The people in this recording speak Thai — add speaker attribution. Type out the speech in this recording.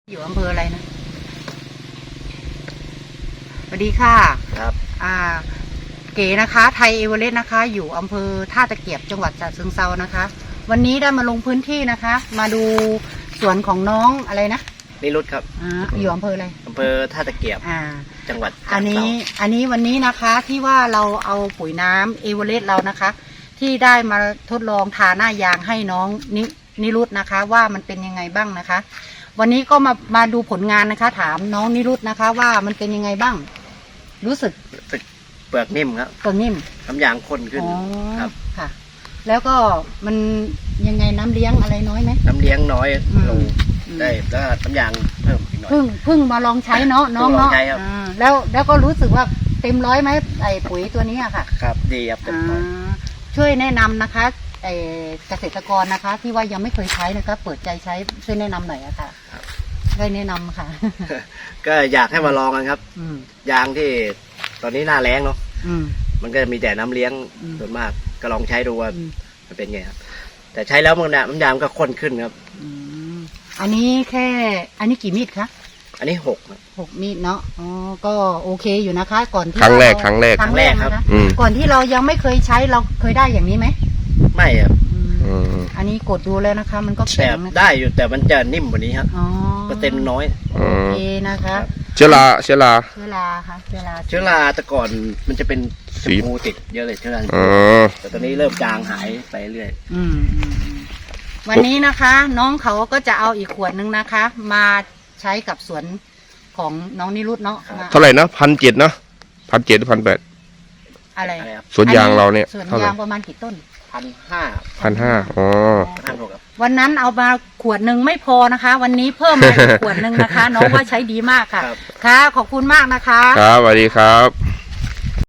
Speaker 1: อยู่อำเภออะไรนะสวัสดีค่ะ
Speaker 2: ครับ
Speaker 1: เก๋นะคะไทยเอเวอเรสต์นะคะอยู่อำเภอท่าตะเกียบจังหวัดฉะเชิงเทรานะคะวันนี้ได้มาลงพื้นที่นะคะ มาดูสวนของน้องอะไรนะ
Speaker 2: นิรุตครับ
Speaker 1: อยู่อำเภออะไร
Speaker 2: อำเภอท่าตะเกียบจังหวัด
Speaker 1: อันนี้วันนี้นะคะที่ว่าเราเอาปุ๋ยน้ำเอเวอเรสต์เรานะคะ ที่ได้มาทดลองทาหน้ายางให้น้องนิรุตนะคะว่ามันเป็นยังไงบ้างนะคะวันนี้ก็มาดูผลงานนะคะถามน้องนิรุตนะคะว่ามันเป็นยังไงบ้างรู้สึก
Speaker 2: เปลือกนิ่มครับ
Speaker 1: เปลือกนิ่ม
Speaker 2: น้ำยางข้นขึ้นครับ
Speaker 1: ค่ะแล้วก็มันยังไงน้ำเลี้ยงอะไรน้อยไหม
Speaker 2: น้ำเลี้ยงน้อยลงได้แล้วน้ำยางเพิ่มอีกหน่อย
Speaker 1: เพิ่งมาลองใช้เนาะน้องเนาะแล้วก็รู้สึกว่าเต็มร้อยไหมไอ้ปุ๋ยตัวนี้อะค่ะ
Speaker 2: ครับดีครับเต็มร้อย
Speaker 1: ช่วยแนะนำนะคะเกษตรกรนะคะที่ว่ายังไม่เคยใช้นะคะเปิดใจใช้ช่วยแนะนำหน่อยอะค่ะได้แนะนำค่ะ
Speaker 2: ก็อยากให้มาลองกันครับยางที่ตอนนี้หน้าแล้งเนาะมันก็มีแต่น้ำเลี้ยงส่วนมากก็ลองใช้ดูว่ามันเป็นไงครับแต่ใช้แล้วมันน้ำยางก็ข้นขึ้นครับ
Speaker 1: อันนี้กี่มีดคะ
Speaker 2: อันนี้
Speaker 1: 6 มีดเนาะอ๋อก็โอเคอยู่นะคะก่อนที่
Speaker 3: ครั้งแรก
Speaker 2: ครับ
Speaker 1: ก่อนที่เรายังไม่เคยใช้เราเคยได้อย่างนี้ไหม
Speaker 2: ไม่ครับ
Speaker 1: อันนี้กดดูแล้วนะคะมันก็
Speaker 2: แข็งได้อยู่แต่มันจะนิ่มกว่านี้ครับเปอร์เซ็นต์น้อย
Speaker 1: โอเคนะคะ
Speaker 3: เชื้อรา
Speaker 1: ค่ะเ
Speaker 2: ชื้อราแต่ก่อนมันจะเป็นสีมูติดเยอะเลยเชื้อราแต่ตอนนี้เริ่มจางหายไปเรื่อย
Speaker 1: วันนี้นะคะน้องเขาก็จะเอาอีกขวดนึงนะคะ มาใช้กับสวนของน้องนิรุตเนาะ
Speaker 3: เท่าไหร่นะ1,700นะ1,700 หรือ1,800
Speaker 1: อะไร
Speaker 3: สวนยางเราเนี่ย
Speaker 1: สวนยางประมาณกี่ต้น
Speaker 3: 1,500อ๋อ
Speaker 1: วันนั้นเอามาขวดหนึ่งไม่พอนะคะวันนี้เพิ่มมาอีกขวดหนึ่งนะคะน้องว่าใช้ดีมากค่ะค่ะขอบคุณมากนะคะ
Speaker 3: ครับสวัสดีครับ